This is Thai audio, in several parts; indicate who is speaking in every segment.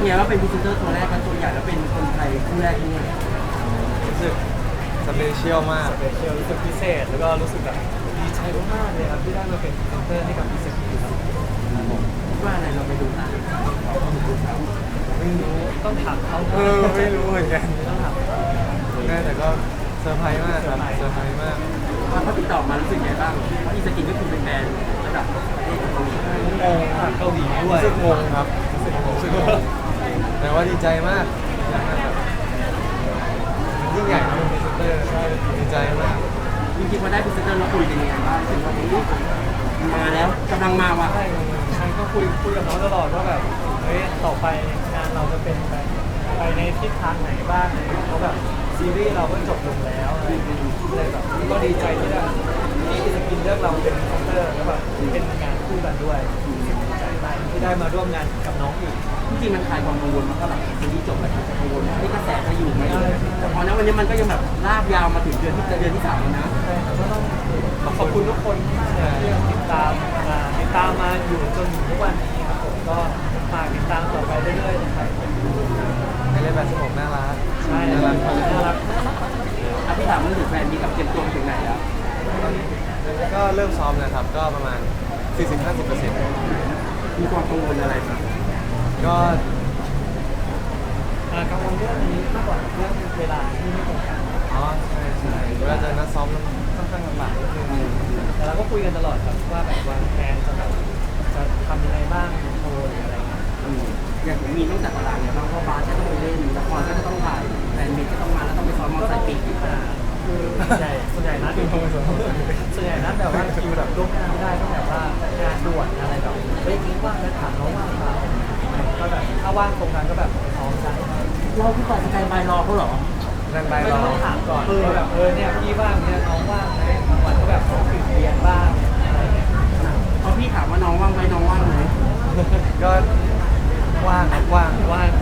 Speaker 1: ไงว่าเป็นพรีเซนเตอร์ตัวแรกกันตัวใหญ่แล้วเป็นคนไทยคู่แรกด้วย
Speaker 2: รู้สึกสเปเชียลมาก
Speaker 3: สเปเชียลรู้สึกพิเศษแล้วก็รู้สึกแบบดีใจมากๆเลยครับที่ได้มาเป็นพรีเซนเตอร์ให้กับพิเศษครับ
Speaker 1: ว่าอะไรเราไปดูตาม
Speaker 3: ไม่รู้ต้องถามเขา
Speaker 2: ไม่รู้เหมือนกัน
Speaker 3: ต้องถามเขา
Speaker 2: แต่ก็เซอร์ไพรส์มากครับเซอร์ไพรส์มาก
Speaker 1: พอเขาติดต่อมารู้สึกไงบ้างเพราะอีสกินก็คือเป็นแบรนด์ระดับประเทศเกาหลี
Speaker 3: เกาหลีด้วย
Speaker 2: รู้สึกงงครับรู้สึกงงแต่ว่าดีใจมากแบบยิ่งใหญ่นะเป็นพรีเซนเตอร์ดีใจมาก
Speaker 1: จริงๆพอได้พรีเซนเตอร์เราคุยกันยังไงบ้างถึงว่ามาแล้วกำลังมาว่ะ
Speaker 3: ใช่ก็คุยกับน้องตลอดว่าแบบเฮ้ยต่อไปงานเราจะเป็นไปในทิศทางไหนบ้างเพราะแบบซีรีส์เราก็จบลงแล้วเลยแบบก็ดีใจที่ได้ที่สกินเลือกเราเป็นพรีเซนเตอร์แล้วแบบเป็นงานคู่กันด้วยดีใจมากที่ได้มาร่วมงานกับน้องอีก
Speaker 1: จริงๆมันคลายความกังวลมาก็หลังซีรีส์จบแล้วกังวลว่ากระแสจะอยู่ไหมแต่พอนั้นวันนี้มันก็ยังแบบลากยาวมาถึงเดือนที่3แล้วนะ
Speaker 3: ใช่ก็ต้องขอบคุณทุกคนมากเลยที่ติดตามมาอยู่จนถึงทุกวันนี้ครับผมก็ฝากติดตามต่อไปเรื่อยๆนะครับ
Speaker 2: ในเรื่องแบบสมองน่ารัก
Speaker 3: ใช่น่ารัก
Speaker 1: พี่ถามเรื่องถึงแฟนมีกับเตรียมตัวถึงไหนแล้ว
Speaker 2: ก็เริ่มซ้อมแล้วครับก็ประมาณ 40-50%
Speaker 1: มีความกังวลอะไรไหม
Speaker 2: ก็
Speaker 3: กังวลเรื่องนี้มากกว่าเรื่องเวลาที่ไม่ตรงกัน
Speaker 2: อ๋อใช่เวลาจะนัดซ้อมค่อนข้างลำบากนิดนึง
Speaker 3: แต่เราก็คุยกันตลอดครับว่าแบบวางแผนจะทำยังไงบ้างโชว์หรืออะไร
Speaker 1: อย่างผมมีต้องจัดตารางเนี่ยบางเพราะบาร์ก็ต้องไปเล่นละครก็จะต้องถ่ายแฟนมิตก็ต้องมาแล้วต้องไปซ้อมมอเตอร์ไซค์ปีก
Speaker 3: คือส่วนใหญ่นัดแบบว่าคิวแบบล่วงหน้าไม่ได้ต้องแบบว่างานด่วนอะไรแบบเฮ้ยว่างแล้วถามน้องว่างเปล่าก็แบบถ้าว่างตรงนั้นก็แบบซ้อมกัน
Speaker 1: เราพี่ก่อนสกายบายรอเขาเหรอ
Speaker 3: ไม่ต้องถามก่อนว่าแบบเนี่ยพี่ว่างเนี่ยน้องว่างไหมบางวันก็แบบผมติดเรียนบ้างอะไรเงี้ย
Speaker 1: พอพี่ถามว่าน้องว่างไหมน้องว่างไหม
Speaker 2: ก็ว่างก็ได้ว่าง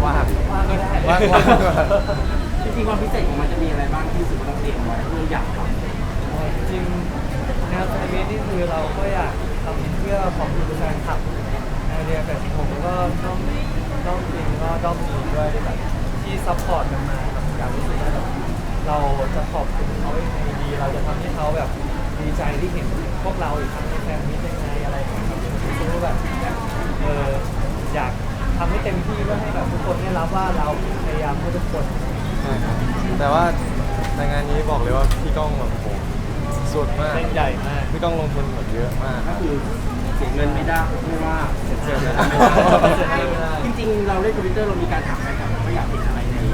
Speaker 1: จริงๆความพิเศษของมันจะมีอะไรบ้างที่สุดเราเตรียมไว้เราอยากทำ
Speaker 3: จริงแนวแฟนมิตนี่คือเราก็อยากทำเพื่อขอบคุณแฟนคลับไอเดียแบบผมก็ต้องจริงก็ต้องมีด้วยแบบที่ซัพพอร์ตกันมาแบบอยากรู้สึกว่าเราจะขอบคุณเขายังไงดีเราจะทำให้เขาแบบดีใจที่เห็นพวกเราอีกครั้งในแฟนมิตยังไงอะไรอย่างเงี้ยรู้สึกว่าแบบอยากทำให้เต็มที่เพื่อให้แบบทุกคนได้รับว่าเราพยายามเพื่อทุกคน
Speaker 2: ใช่ครับแต่ว่าในงานนี้บอกเลยว่าพี่ก้องแบบโหสุดมาก
Speaker 3: ใหญ่มาก
Speaker 2: พี่ก้องลงทุนแบบเยอะมาก
Speaker 1: ก็คือเสียเงินไม่ได้ไม่ว่า
Speaker 2: เสียเงิน
Speaker 1: ไม่ได้จริงๆเราเล่นคอมพิวเตอร์เรามีการถามใครครับว่าอยากเห็นอะไรใน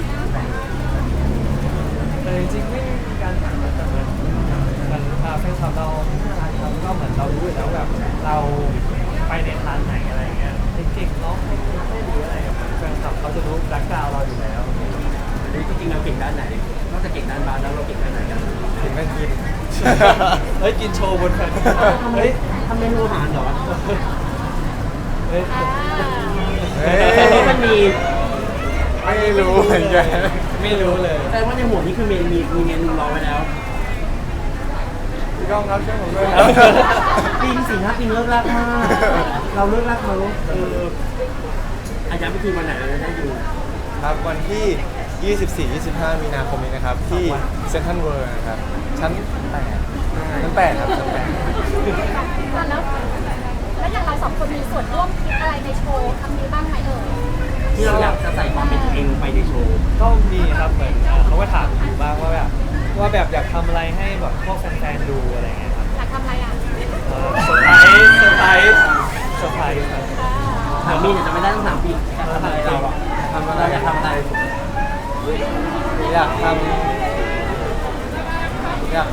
Speaker 3: แต่จริงๆไม่มีการถามแต่เหมือนแฟนคลับเราครับก็เหมือนเรารู้อยู่แล้วแบบเราไปในทางไหนอะไรเงี้ยเก่งๆร้องเพลงไม่หรืออะไรแบบแฟนคลับเขาจะรู้แบ็คกราวด์เราอยู่แล้ว
Speaker 1: จริงๆเราเก่งด้านไหนนอกจากเก่งด้านบาสแล้วเราเก่งด้านไหนกัน
Speaker 2: เก่งด้านกิน
Speaker 3: เฮ้ยกินโชว์บนแฟน
Speaker 1: เฮ้ยทำเมนูอาหารเหรอ
Speaker 3: เฮ้ย
Speaker 1: มันมี
Speaker 2: ไม่รู้เหมือนกัน
Speaker 3: ไม่รู้เลย
Speaker 1: แต่ว่าในหัวนี้คือมีเมนูรอไว้แล้ว
Speaker 2: พี่ก้องครับช่วยผมด้วย
Speaker 1: ปีน4 5 ปีเลิกรักมากเราเลิกรักมาลูกอาจารย์พิธีวันไหนเราจะได้ดู
Speaker 2: ครับวันที่ 24-25 มีนาคมนี้นะครับที่เซ็นทรัลเวิลด์นะครับชั้น 8ครับชั้น 8
Speaker 4: แล้วอย่างเรา2 คนมีส่วนร่วมคิดอะไรในโชว์ครั้งนี้บ้างไหม
Speaker 1: ที่เราอยากจะใส่ความเป็นตัวเองลงไปในโชว์
Speaker 3: ก็มีครับเหมือนเขาก็ถามอยู่บ้างว่าแบบอยากทำอะไรให้แบบพวกแฟนๆดูอะไรเงี้ยครับ
Speaker 4: อยากทำอะไรอ่ะ
Speaker 3: เซอร์ไพรส์ครับ
Speaker 1: ถามมีจะไม่ได้ต้องถามพี่ทำอะไรเราอะเราอยากทำอะไร
Speaker 2: อยากทำอะไรอยาก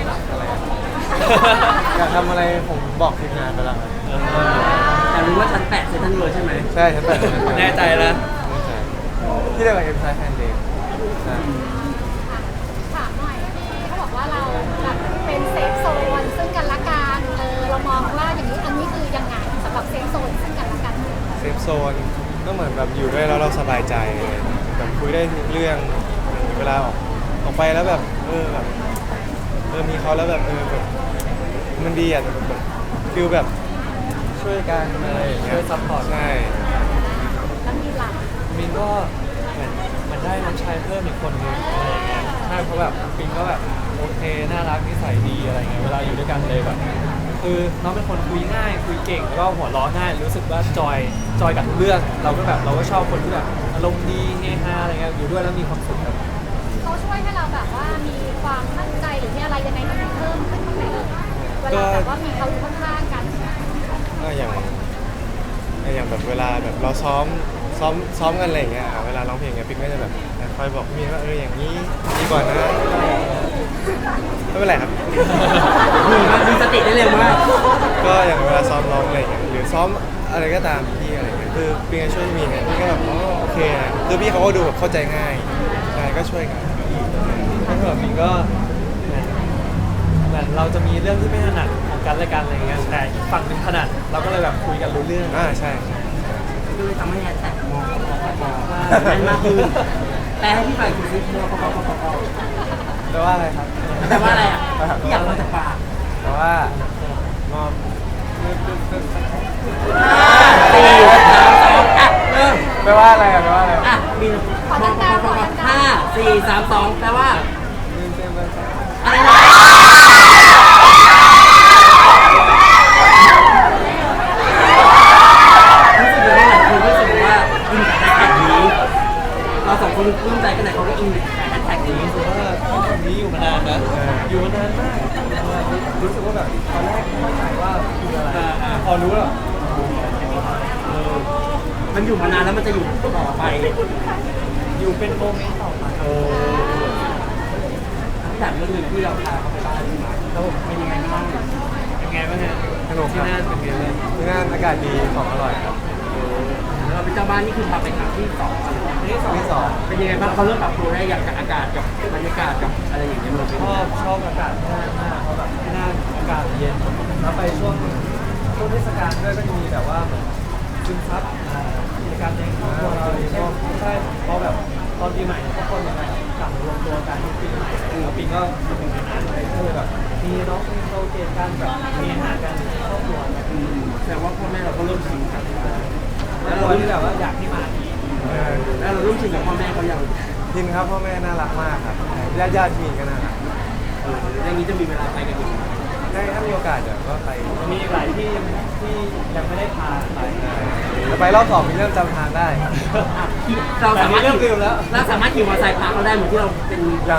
Speaker 2: ทำอะไรผมบอกทีมงานไปแล้ว
Speaker 1: แต่รู้ว่าชั้น 8เซ็นทรัลเวิลด์ใช่ไหม
Speaker 2: ใช่ชั้น 8
Speaker 3: แน่ใจนะ
Speaker 2: ที่เรียกว่าเอ็มไซแฟนเดย์ใช่
Speaker 4: ถามหน่อยเขาบอกว่าเราแบบเป็นเซฟโซนซึ่งกันและกันเรามองว่าอย่างนี้อันนี้คือยังไงสำหรับเซฟโซนซึ่งกันและกัน
Speaker 2: เซฟโซนก็เหมือนแบบอยู่ด้วยแล้วเราสบายใจแบบคุยได้ทุกเรื่องเวลาออกไปแล้วแบบมีเขาแล้วแบบแบบมันดีอ่ะแบบฟิลแบบช่วยกันอะไรอย่างเงี้ย
Speaker 3: ช่วยซัพพอร์ต
Speaker 4: แล้วมีหลัก
Speaker 3: มินก็เหมือนได้น้องชายเพิ่มอีกคนนึงอะไรอย่างเงี้ยใช่เพราะแบบปิงก็แบบโอเคน่ารักนิสัยดีอะไรเงี้ยเวลาอยู่ด้วยกันเลยแบบคือน้องเป็นคนคุยง่ายคุยเก่งแล้วก็หัวเราะง่ายรู้สึกว่าจอยกับทุกเรื่องเราก็ชอบคนที่แบบอารมณ์ดีเฮฮาอะไรเงี้ยอยู่ด้วยแล้วมีความสุขครับ
Speaker 4: เขาช่วยให้เราแบบว่ามีความมั่นใจหรือมีอะไรยังไงมันเพิ่มขึ้นบ้างไหมเวลาแบบว่ามีเขาอยู่ข้างๆกัน
Speaker 2: ก็อย่างแบบเวลาแบบเราซ้อมกันอะไรอย่างเงี้ยเวลาร้องเพลงเงี้ยปิ๊กก็จะแบบคอยบอกพี่มินว่าอย่างนี้ดีก่อนนะไม่เป็นไรครับ
Speaker 1: มีสติได้เร็วมาก
Speaker 2: ก็อย่างเวลาซ้อมร้องอะไรอย่างเงี้ยหรือซ้อมอะไรก็ตามพี่อะไรเงี้ยคือปิ๊กก็ช่วยพี่มินเนี่ยพี่ก็แบบอ๋อโอเคนะคือพี่เขาก็ดูแบบเข้าใจง่ายใช่ก็ช่วยกัน
Speaker 3: ถ้าเกิดมินก็เหมือนเราจะมีเรื่องที่ไม่ถนัดของกันและกันอะไรเงี้ยแต่อีกฝั่งหนึ่งถนัดเราก็เลยแบบคุยกันรู้เรื่อง
Speaker 2: ใช่
Speaker 1: คือทำให้แฮชแท็กมอแน่นมากขึ้นแปลให้พี่ฝ่ายคุณซิมอปปปป
Speaker 3: แปลว่าอะไรครับ
Speaker 1: แต่ว่าอะไรอ่ะพี่อยากมาจากปาก
Speaker 2: แต่ว่ามอบ
Speaker 1: 4 3 2อ่ะเริ่ม
Speaker 2: แปลว่าอะไรแปลว่าอะไร
Speaker 1: อ่ะบินมอปปป5 4 3 2แปลว่าอะไรนะรู้สึกยังไงหลายคนรู้สึกว่าอินกับแฮชแท็กนี้เราสองคนปลื้มใจกันไหนเขาก็อินกับแฮชแท็กนี้
Speaker 3: รู้สึกว่านี้อยู่มานานนะอยู่มานานมากรู้สึกว่าแบบตอนแรกไม่เข้าใจว่าคืออะไรพอรู้แล้ว
Speaker 1: มันอยู่มานานแล้วมันจะอยู่ต่อไป
Speaker 3: อยู่เป็นโมเมนต์ต่อไป
Speaker 1: ถามเรื่องหนึงที่เราพาเขาไปบ้านที่มาแล้วเป็นยังไงบ้าง
Speaker 3: เป็นไงบ้างฮะ
Speaker 2: สนุกค
Speaker 3: ที่
Speaker 2: รับ
Speaker 3: นั่นเป็นไงบ้าง
Speaker 2: ที่นั่นอากาศดีของอร่อยครับ
Speaker 1: เราเป็นเจ้าบ้านนี่คือพาไปครั้งที่2
Speaker 3: ที่สอง
Speaker 1: เป็นยังไงบ้างเขาเริ่มปรับตัวได้อย่างกับอากาศกับบรรยากาศกับอะไรอย่างเงี้ยมันเป็น
Speaker 3: ชอบอากาศที่นั่นมากเพราะแบบที่นั่นอากาศเย็นแล้วไปช่วงเทศกาลด้วยก็จะมีแบบว่าเหมือนซึมซับกิจกรรมในครอบครัวเราชอบใช่เพราะแบบตอนปีใหม่ทุกคนจะกลับมารวมตัวกันที่ปีใหม่แล้วปีก็มาถึงในนั้นเลยก็เลยแบบมีน้องมีโซเกตกันแบบมีอาหารกันในครอบครัว
Speaker 1: แต่ว่าพ่อแม่เราก็เริ่มชินกับ
Speaker 3: แล้วเราที่แบบว่าอยากที่มาอีก
Speaker 1: แล้วเราเริ่มชินกับพ่อแม่เขาอย่าง
Speaker 2: ทินครับพ่อแม่น่ารักมากครับญาติมีก็น่ารัก
Speaker 1: อย่างนี้จะมีเวลาไปกันอีก
Speaker 2: ถ้ามีโอกาสเดี๋ยวก็ไป
Speaker 3: มีอีกหลายที่ที่ยังไม่ได้พาไป
Speaker 2: จะไปรอบ2มีเริ่มจำทางได้
Speaker 1: เราสามารถ
Speaker 3: เริ่มลืมแล้ว
Speaker 1: เราสามารถขี่มอเตอร์ไซค์พาเขาได้เหมือนที่เราเป็น
Speaker 2: ยัง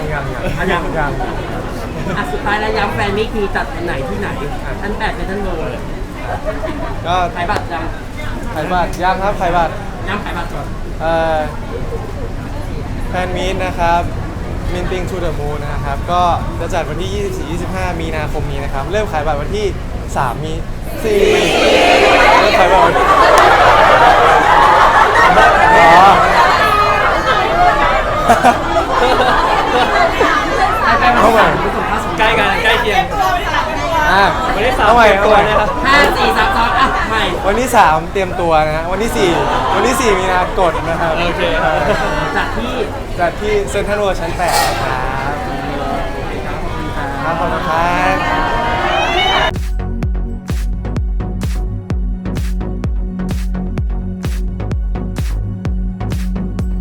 Speaker 1: สุดท้ายแล้วย้ำแฟนมิตรมีจัดวันไหนที่ไหนชั้น8เป็นชั้นเบอร์
Speaker 2: ก็
Speaker 1: ขายบัตรยัง
Speaker 2: ขายบัตรยังครับขายบัตร
Speaker 1: ย้ำขายบัตรก่อน
Speaker 2: แฟนมีตนะครับมินติงทูเดอะมูนนะครับก็จะจัดวันที่ 24-25 มีนาคมนี้นะครับ เริ่มขายบัตรวันที่ 3 มี 4 เริ่มขายบัตรวันอ๋อ
Speaker 1: ไปมาที่3คุณส่งค่าส่ง
Speaker 3: ใกล้กันใกล้เคียง วันที่ 3
Speaker 2: เอาใหม่
Speaker 3: เตรียมตัวนะครับ
Speaker 1: 5 4 3 2อ่ะใหม่
Speaker 2: วันที่ 3 เตรียมตัวนะฮะวันที่ 4 มีนากดนะครับ
Speaker 3: โอเคครับ
Speaker 1: จากที่
Speaker 2: จัดที่เซ็นทรัลเวิลด์ชั้น 8 นะครับ
Speaker 1: ขอบคุณครับ
Speaker 2: ขอบคุณครับ